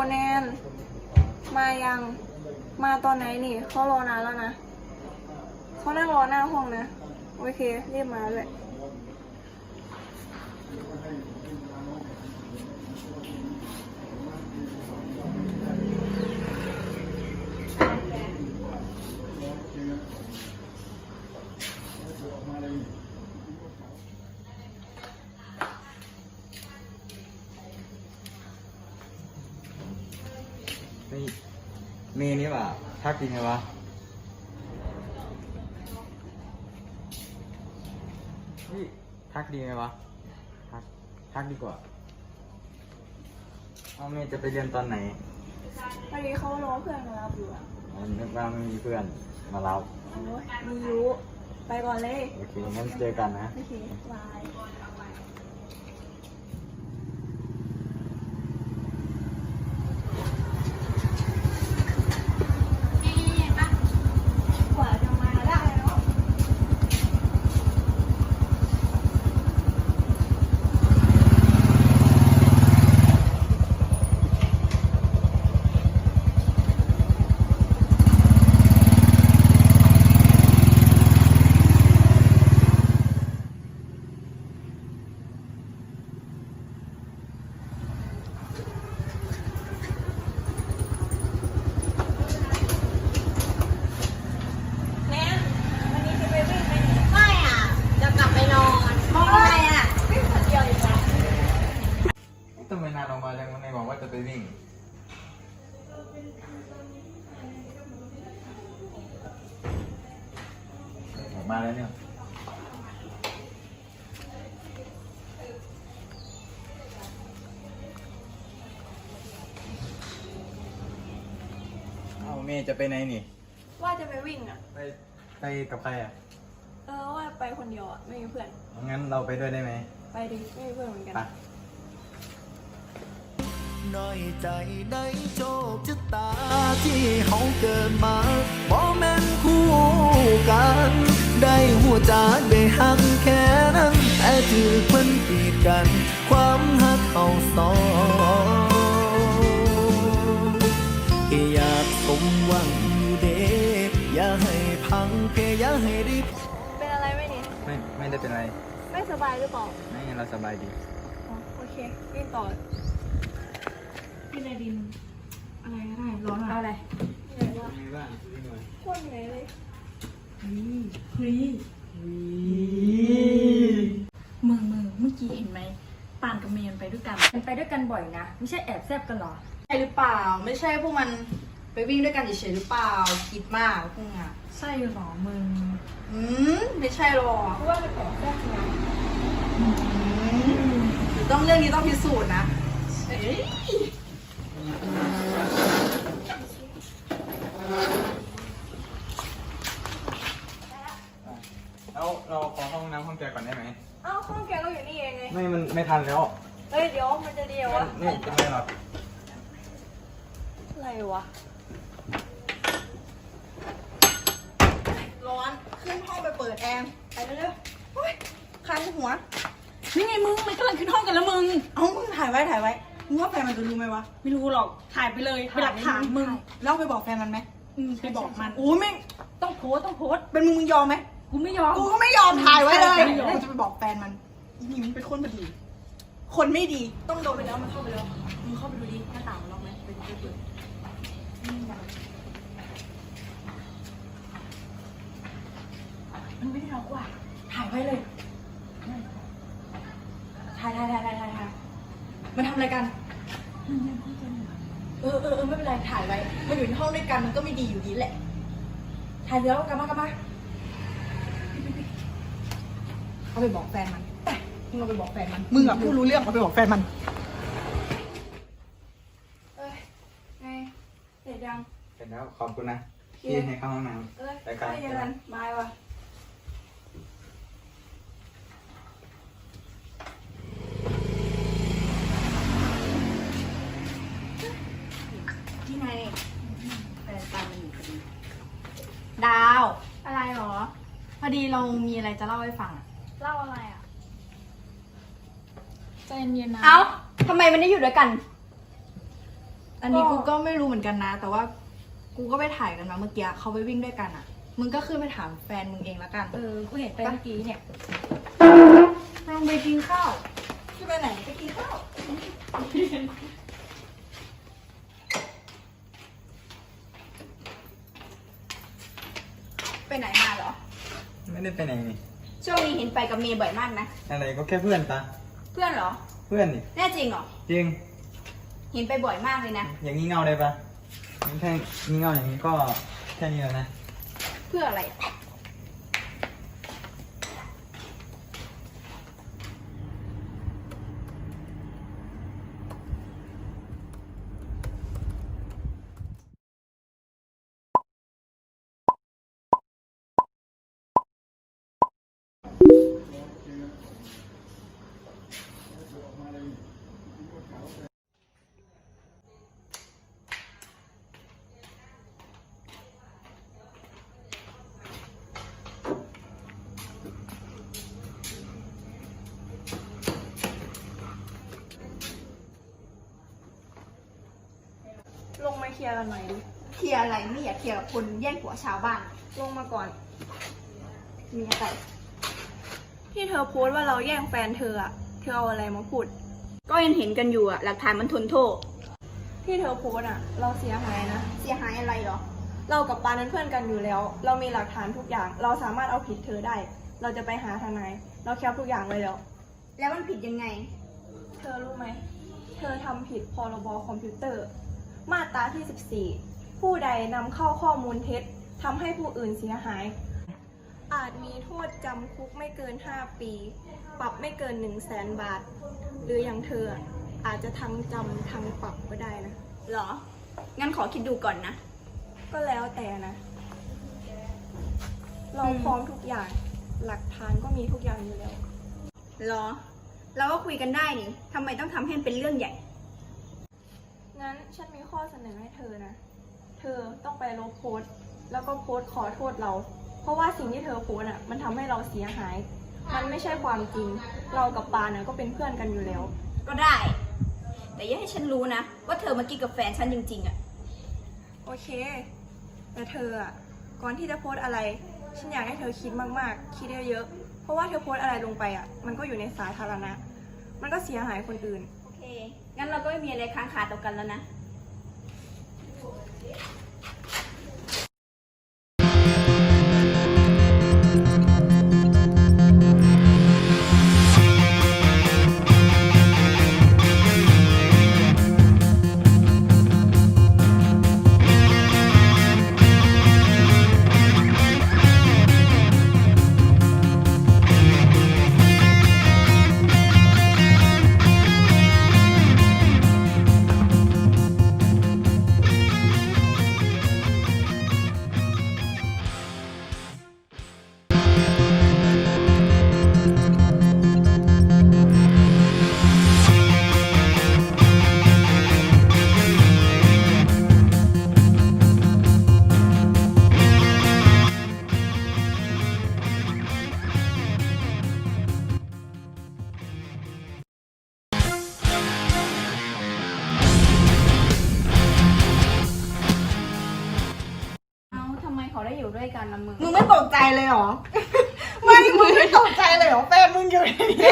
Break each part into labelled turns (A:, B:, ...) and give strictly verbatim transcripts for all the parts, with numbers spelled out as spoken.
A: แนนมายังมาตอนไหนนี่เขารอนานแล้วนะเขานั่งรอหน้าห้องนะโอเครีบมาเลย
B: นี่เมย์นี่ป่ะทักจริงไงวะเฮ้ยทักดีไงวะทักทักดีกว่าเอาเมย์จะไปเรียนตอนไหน
A: พอดีเขารอเพื่อนมารับอยู่อะ
B: อ๋อนึกว่าไม่มีเพื่อนมารับ
A: โอ้ยมีอยู่ไปก่อนเลย
B: โอเคงั้นเจอกันนะ
A: โอเคบายกว่าจะมาได้เนาะ
B: ทำไมนานออกมาจังไม่บอกว่าจะไปวิ่งออกมาแล้วเนี่ยเอาเมย์จะไปไหนนี่
A: ว่าจะไปวิ่งอ่ะ
B: ไปไปกับใครอ่ะ
A: เออว่าไปคนเดียวอ่ะไม่มีเพื่อน
B: งั้นเราไปด้วยได้ไหม
A: ไปดิไม่มีเพื่อนเหมือนกัน
C: น้อยใจในโชคชะตาที่เฮาเกิดมาบ่แม่นคู่กันได้หัวใจได้หักแค่นั้นแต่ถือเพิ่นปีดกันความหักเฮาสองแค่อยากสมหวังอยู่เด้อย่าให้พังแค่อย่าให้ได้
A: เป็นอะไรไหมนี่
B: ไม่ไม่ได้เป็นไร
A: ไม่สบายหรือเปล่า
B: ไม่เราสบายดี
A: อ๋อโอเควิ่งต่อกินอะไรดินอะไรก็ได้ร้อนเอาอะไรเหนื่อยวะโคตรเหนื่อยเลย
D: เฮ้ยมึงมึงเมื่อกี้เห็นไหมปานกับเมย์ไปด้วยกันมันไปด้วยกันบ่อยนะไม่ใช่แอบแซบกันหรอ
E: ใช่หรือเปล่าไม่ใช่พวกมันไปวิ่งด้วยกันเฉยๆหรือเปล่าคิดมากพวกอ่ะ
D: ใช่หรอมึง
E: อืมไม่ใช่หรอก
A: เพราะว่ามันแอบแซบไง
E: ต้องเรื่องนี้ต้องพิสูจน์นะเอ้ย
B: แล้วเราขอห้องน้ำห้องแกก่อนได้ไหม
A: อ้าวห้องแกก็อยู่นี่เองไง
B: ไม่มันไม่ทันแล้ว
A: เฮ้ยเดี๋ยวมันจะเดียววะ
B: นี่จะไม่หรอก
A: อะไรวะ
E: ร้อนขึ้นห้องไปเปิดแอร์ไปเร็วๆโอ๊ยคันหัว
D: นี่ไงมึงมันกำลังขึ้นห้องกันแล้วมึง
E: เอามึงถ่ายไว้ถ่ายไว้มึงว่าแฟนมันจะรู้ไหมวะ
D: ไม่รู้หรอกถ่ายไปเลยเป็นหลักฐานมึง
E: แล้วไปบอกแฟนมันไหม
D: ไปบอกมัน
E: โอ้ไม่
D: ต้องโพสต้องโพส
E: เป็นมึงมึงยอมไหม
D: กูไม่ยอม
E: กูก็ไม่ยอมถ่ายไว้เลยกูจะไปบอกแฟนมันนี่มันเป็นคนไม่ดีคนไม่ดีต้องโดนไปแล้วมันเข้าไปแล้วมึงเข้าไปดูดิหน้าต่างมันล็อกไหมไปดูเปิด
D: มันไม่ได้ล็อกว่ะถ่ายไว้เลยถ่ายถ่ายถ่ายถ่ายถ่าย
E: มันทำอะไรกันเออเออเออไม่เป็นไรถ่ายไว้มันอยู่ในห้องด้วยกันมันก็ไม่ดีอยู่ดีแหละถ่ายแล้วกลับมากลับมาเอาไปบอกแฟนมันมึงเอาไปบอกแฟนมันมึงอะผู้รู้เรื่องเอาไปบอกแฟนมัน
A: เอ้ยไงเสร็จยัง
B: เสร็จแล้วขอบคุณนะที่ให้เข้าห้องน้ำ
A: เอ้ยไปกันบายว่ะ
D: ที่ไหนแฟนตามมันอยู่พอดี
E: ดาว
A: อะไรหรอ
E: พอดีเรามีอะไรจะเล่าให้ฟังอะ
A: เล่าอะไรอ่ะ
D: ใจเย็นๆนะ
E: เอ้าทำไมมันได้อยู่ด้วยกัน เอันนี้กูก็ไม่รู้เหมือนกันนะ แต่ว่ากูก็ไปถ่ายกันมาเมื่อกี้เขาไปวิ่งด้วยกันอ่ะ มึงก็ขึ้นไปถามแฟนมึงเองละกัน
D: เออ กูเห็นไปเมื่อกี้เนี่ย
E: ลงไปกินข้าวจะไปไหนไปกินข้าว
F: ไปไหนมาเหรอ
B: ไม่ได้ไปไหนนี่
F: ช่วงนี้เห็นไปกับเมย์บ่อยมากนะ
B: อะไรก็แค่เพื่อนปะ
F: เพื่อนเหรอ
B: เพื่อนนี่
F: แน่จริงเหรอ
B: จริง
F: เห็นไปบ่อยมากเลยนะ
B: อย่างนี้เงาได้ปะแค่นี้เงาอย่างนี้ก็แค่นี้แล้วนะ
F: เพื่ออะไร
A: ลงมาเคลียร์กันหน่อยดิ
F: เคลียร์อะไรไม่อยากเคลียร์กับคนแย่งผัวชาวบ้าน
A: ลงมาก่อน
F: มีอะไร
A: ที่เธอโพสต์ว่าเราแย่งแฟนเธออะเธอเอาอะไรมาพูด
F: ก็ยังเห็นกันอยู่อะหลักฐานมันทนโทษ
A: ที่เธอโพสต์อะเราเสียหายนะ
F: เสียหายอะไรเหรอ
A: เรากับปานั้นเพื่อนกันอยู่แล้ว เรามีหลักฐานทุกอย่าง เราสามารถเอาผิดเธอได้ เราจะไปหาทนาย เราแคปทุกอย่างไว้แล้ว
F: แล้วมันผิดยังไง
A: เธอรู้ไหม เธอทำผิดพรบคอมพิวเตอร์ มาตราที่สิบสี่ ผู้ใดนำเข้าข้อมูลเท็จทำให้ผู้อื่นเสียหาย อาจมีโทษจำคุกไม่เกิน ห้า ปี ปรับไม่เกิน หนึ่งแสน บาท หรืออย่างเธออะอาจจะทั้งจำทั้งปรับก็ได้นะ
F: เหรอ งั้นขอคิดดูก่อนนะ
A: ก็แล้วแต่นะ เราพร้อมทุกอย่าง หลักฐานก็มีทุกอย่างอยู่แล้ว
F: เหรอ เราก็คุยกันได้นี่ทำไมต้องทำให้มันเป็นเรื่องใหญ่
A: งั้นฉันมีข้อเสนอให้เธอนะ เธอต้องไปลบโพสต์ แล้วก็โพสต์ขอโทษเรา เพราะว่าสิ่งที่เธอโพสต์อ่ะ มันทำให้เราเสียหาย มันไม่ใช่ความจริง เรากับปาน่ะก็เป็นเพื่อนกันอยู่แล้ว
F: ก็ได้ แต่อย่าให้ฉันรู้นะ ว่าเธอมากินกับแฟนฉันจริงๆอะ
A: โอเค แต่เธออ่ะ ก่อนที่จะโพสต์อะไร ฉันอยากให้เธอคิดมากๆ คิดเยอะๆ เพราะว่าเธอโพสต์อะไรลงไปอ่ะ มันก็อยู่ในสาธารณะ มันก็เสียหายคนอื่น
F: โอเค งั้นเราก็ไม่มีอะไรค้างคาต่อกันแล้วนะ
D: เอ้าทำไมเขาได้อยู่ด้วยกันนะมึง
E: มึงไม่ตกใจเลยเหรอ ไม่ มึงไม่ตกใจเลยเหรอแฟนมึงอยู่ในนี้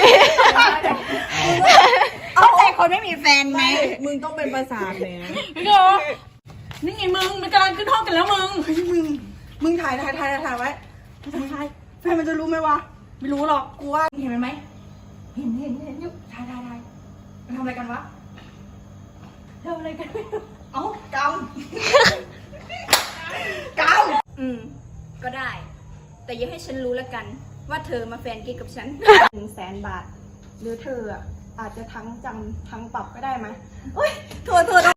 F: เอาแต่คนไม่มีแฟนไหม
E: มึงต้องเป็นประสาทเลยนะ
D: พี่โกนี่ไงมึง มันกำลังขึ้นห้องกันแล้วมึง
E: เฮ้ยมึง มึงถ่ายถ่ายถ่ายถ่ายไว้ถ่ายแฟนมันจะรู้ไหมวะ ไม่รู้หรอก กูว่า
D: เห็นมันไหม เห็นเห็นเห็นอยู่ถ่ายถ่ายถ่ายมันทำอะไรกันวะทำอะไรกันไม่รู้
E: เอ้ากำ กำ
F: อืม ก็ได้ แต่อย่าให้ฉันรู้แล้วกัน ว่าเธอมาแฟนกิ๊กกับฉัน
A: หนึ่งแสนบาท หรือเธออ่ะอาจจะทั้งจำทั้งปรับก็ได้ไหม
E: โทษโทษโท